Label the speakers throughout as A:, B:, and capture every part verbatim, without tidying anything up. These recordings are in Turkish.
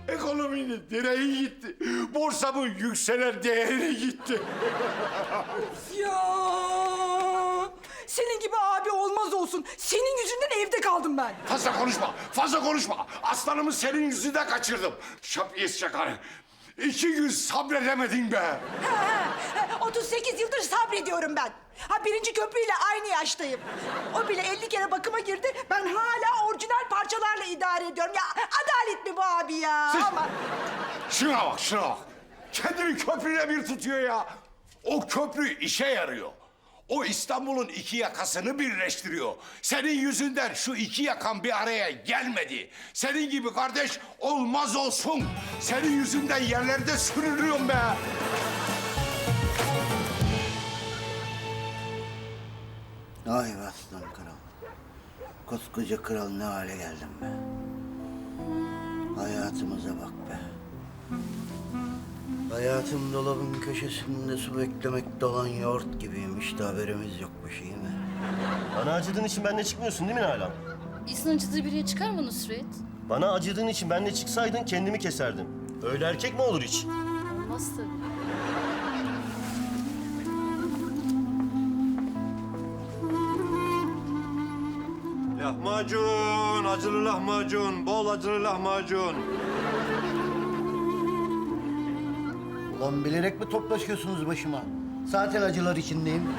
A: Ekonominin direği gitti. Borsamın yükselen değeri gitti.
B: Ya senin gibi abi olmaz olsun. Senin yüzünden evde kaldım ben.
A: Fazla konuşma, fazla konuşma. Aslanımı senin yüzünden kaçırdım. Şapiyes çakarı. İki gün sabredemedin be.
B: Ha, ha, ha, otuz sekiz yıldır sabrediyorum ben. Ha birinci köprüyle aynı yaştayım. O bile elli kere bakıma girdi. Ben hala orijinal parçalarla idare ediyorum. Ya adalet mi bu abi ya?
A: Siz-
B: Ama
A: Şuna bak, şuna bak. Kendini köprüyle bir tutuyor ya. O köprü işe yarıyor. O İstanbul'un iki yakasını birleştiriyor. Senin yüzünden şu iki yakan bir araya gelmedi. Senin gibi kardeş olmaz olsun. Senin yüzünden yerlerde sürünüyorum be.
C: Ay be aslan kral. Koskoca kral ne hale geldim be. Hayatımıza bak be. Hayatım dolabın köşesinde su beklemek dolan yoğurt gibiymiş de haberimiz yokmuş iyi mi?
D: Bana acıdığın için benimle çıkmıyorsun değil mi Nalan?
E: İnsan acıdığı biriye çıkar mı Nusret?
D: Bana acıdığın için benimle çıksaydın kendimi keserdim. Öyle erkek mi olur hiç?
E: Olmaz tabii.
F: Lahmacun, acılı lahmacun, bol acılı lahmacun.
C: Ulan bilerek mi toplaşıyorsunuz başıma? Zaten acılar içindeyim.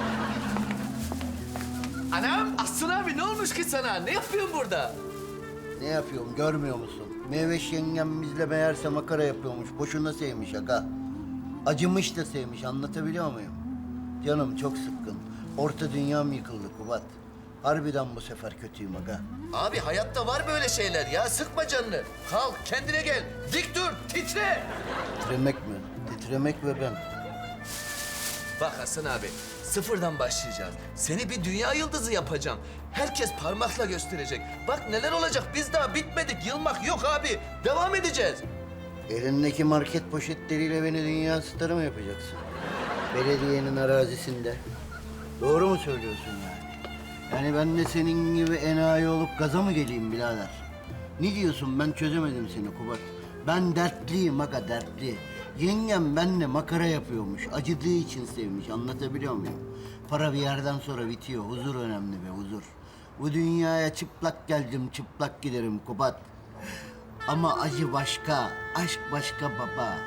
G: Anam, Aslan abi ne olmuş ki sana? Ne yapıyorsun burada?
C: Ne yapıyorum görmüyor musun? Meyveş yengem bizle meğerse makara yapıyormuş. Boşuna sevmiş aga. Acımış da sevmiş anlatabiliyor muyum? Canım çok sıkkın. Orta dünyam yıkıldı Kubat. Harbiden bu sefer kötüyüm aga.
G: Abi hayatta var böyle şeyler ya. Sıkma canını. Kalk, kendine gel. Dik dur, titre.
C: Titremek mi? Titremek ve ben.
G: Bak Hasan abi, sıfırdan başlayacağız. Seni bir dünya yıldızı yapacağım. Herkes parmakla gösterecek. Bak neler olacak, biz daha bitmedik. Yılmak yok abi. Devam edeceğiz.
C: Elindeki market poşetleriyle beni dünya starı mı yapacaksın? Belediyenin arazisinde. Doğru mu söylüyorsun yani? Yani ben de senin gibi enayi olup gaza mı geleyim birader? Ne diyorsun ben çözemedim seni Kubat. Ben dertliyim aga dertli. Yengem benimle makara yapıyormuş. Acıdığı için sevmiş anlatabiliyor muyum? Para bir yerden sonra bitiyor. Huzur önemli be huzur. Bu dünyaya çıplak geldim çıplak giderim Kubat. Ama acı başka, aşk başka baba.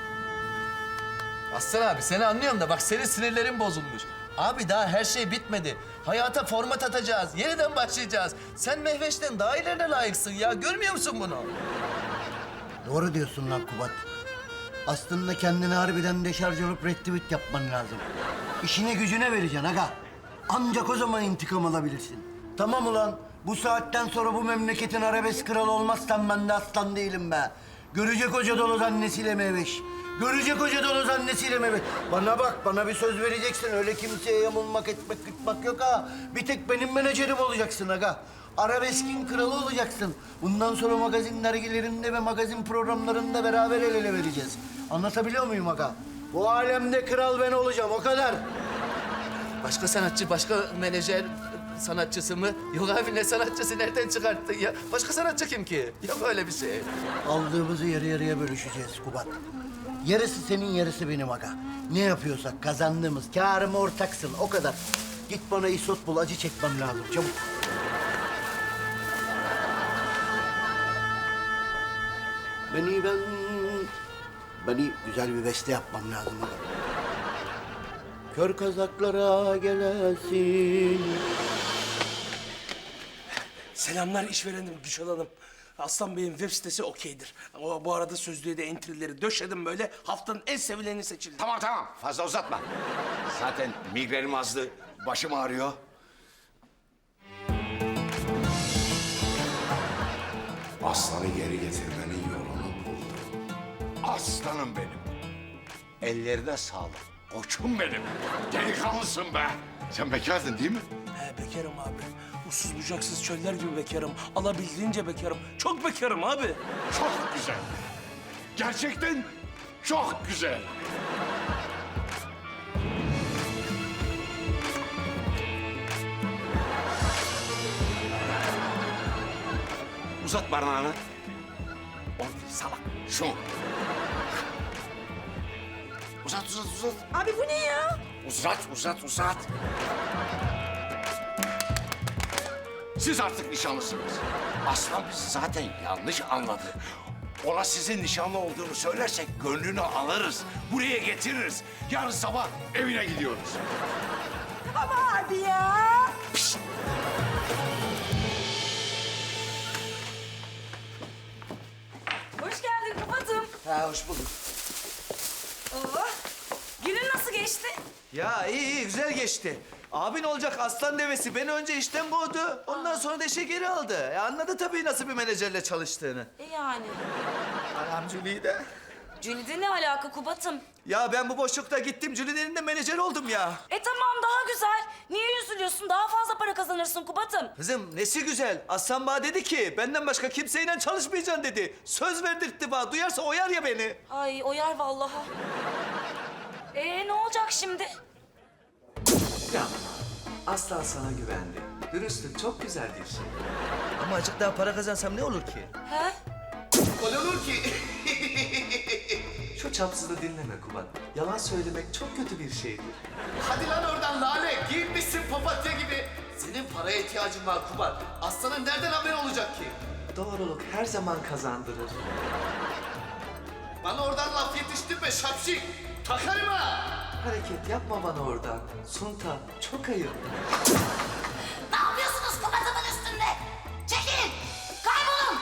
G: Aslan abi seni anlıyorum da bak senin sinirlerin bozulmuş. Abi daha her şey bitmedi. Hayata format atacağız. Yeniden başlayacağız. Sen Mehveş'ten daha ilerine layıksın ya. Görmüyor musun bunu?
C: Doğru diyorsun lan Kubat. Aslında kendini harbiden deşarj olup retweet yapman lazım. İşine gücüne vereceksin aga. Ancak o zaman intikam alabilirsin. Tamam ulan. Bu saatten sonra bu memleketin arabesk kralı olmazsan ben de aslan değilim be. Görecek hoca dolu annesiyle meyveş. Görecek hoca dolu annesiyle meyveş. Bana bak, bana bir söz vereceksin. Öyle kimseye yamulmak, etmek, yutmak yok ha. Bir tek benim menajerim olacaksın aga. Arabeskin kralı olacaksın. Bundan sonra magazin dergilerinde ve magazin programlarında beraber el ele vereceğiz. Anlatabiliyor muyum aga? Bu alemde kral ben olacağım, o kadar.
G: Başka sanatçı, başka menajer sanatçısı mı? Yok abi ne sanatçısı nereden çıkarttın ya? Başka sanatçı kim ki? Yok öyle bir şey.
C: Aldığımızı yarı yarıya bölüşeceğiz Kubat. Yarısı senin, yarısı benim aga. Ne yapıyorsak kazandığımız kârıma ortaksın, o kadar. Git bana isot bul, acı çekmem lazım, çabuk. Beni ben... Beni güzel bir beste yapmam lazım aga. Kör kazaklara gelesin.
H: Selamlar işverenim Gülşen Hanım. Aslan Bey'in web sitesi okeydir. O, bu arada sözlüğe de entry'leri döşedim böyle. Haftanın en sevileni seçildi.
A: Tamam tamam fazla uzatma. Zaten migrenim azdı, başım ağrıyor. Aslanı geri getirmenin yolunu buldum. Aslanım benim. Ellerine sağlık. Koçum benim. Delikanlısın be. Sen bekardın değil mi?
H: He bekarım abi. Uçsuz bucaksız çöller gibi bekarım. Alabildiğince bekarım. Çok bekarım abi.
A: Çok güzel. Gerçekten çok güzel. Uzat parmağını. O salak. Şu. Uzat, uzat, uzat.
B: Abi bu ne ya?
A: Uzat, uzat, uzat. Siz artık nişanlısınız. Aslan bizi zaten yanlış anladı. Ona sizin nişanlı olduğunu söylersek gönlünü alırız. Buraya getiririz. Yarın sabah evine gidiyoruz.
B: Ama abi ya.
I: Hoş geldin Kubat'ım.
G: Ha hoş bulduk.
I: Oo. Günün nasıl geçti?
G: Ya iyi iyi güzel geçti. Abin olacak aslan devesi beni önce işten kovdu. Ondan sonra da işe geri aldı. E anladı tabii nasıl bir menajerle çalıştığını.
I: E yani.
G: Anam Jüli'yi de.
I: Jülide ne alaka Kubat'ım?
G: Ya ben bu boşlukta gittim Jüli'nin de menajer oldum ya.
I: E tamam daha güzel. Niye üzülüyorsun? Daha fazla para kazanırsın Kubat'ım.
G: Kızım nesi güzel. Aslan bana dedi ki benden başka kimseyle çalışmayacaksın dedi. Söz verdirtti bana. Duyarsa oyar ya beni.
I: Ay oyar vallahi. E ne olacak şimdi?
G: Ya aslan sana güvendi. Dürüstlük çok güzel bir şey. Ama azıcık daha para kazansam ne olur ki?
I: He?
G: Ne olur ki? Şu çapsızı dinleme Kubat. Yalan söylemek çok kötü bir şeydir.
J: Hadi lan oradan lale. Giyinmişsin papatya gibi. Senin paraya ihtiyacın var Kubat. Aslanın nereden haberi olacak ki?
G: Doğruluk her zaman kazandırır.
J: Bana oradan laf yetiştirme şapşik. Takarım ha.
G: Hareket yapma bana oradan. Sunta çok ayıp.
I: Ne yapıyorsunuz Kubat'ımın üstünde? Çekilin! Kaybolun!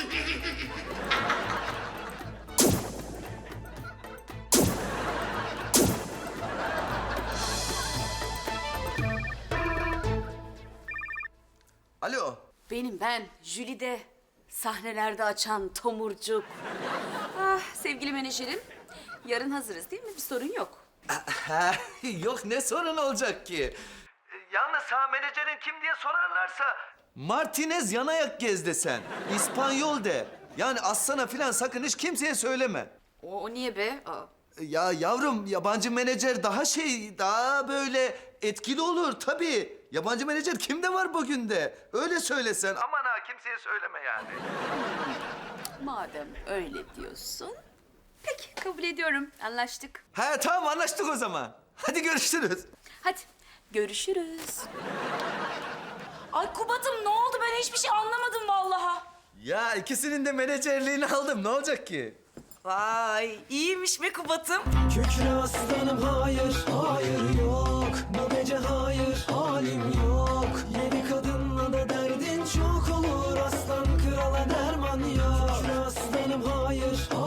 G: Alo.
I: Benim ben, Jülide. Sahnelerde açan tomurcuk. Ah, sevgili menajerim. Yarın hazırız değil mi? Bir sorun yok.
G: Ha, yok ne sorun olacak ki? Yalnız sana menajerin kim diye sorarlarsa... Martinez yanayak gez desen. İspanyol de. Yani Aslan'a filan sakın hiç kimseye söyleme.
I: O, o niye be? Aa.
G: Ya yavrum yabancı menajer daha şey, daha böyle etkili olur tabii. Yabancı menajer kimde var bugün de? Öyle söylesen. Aman ha kimseye söyleme yani.
I: Madem öyle diyorsun. Peki kabul ediyorum. Anlaştık.
G: Ha tamam anlaştık o zaman. Hadi görüşürüz.
I: Hadi görüşürüz. Ay Kubat'ım ne oldu? Ben hiçbir şey anlamadım vallahi.
G: Ya ikisinin de menajerliğini aldım. Ne olacak ki?
I: Vay iyiymiş be Kubat'ım.
K: Kükre aslanım hayır, hayır yok. Bu gece hayır, halim yok. Yedi kadınla da derdin çok olur. Aslan krala derman yok. Kükre aslanım hayır,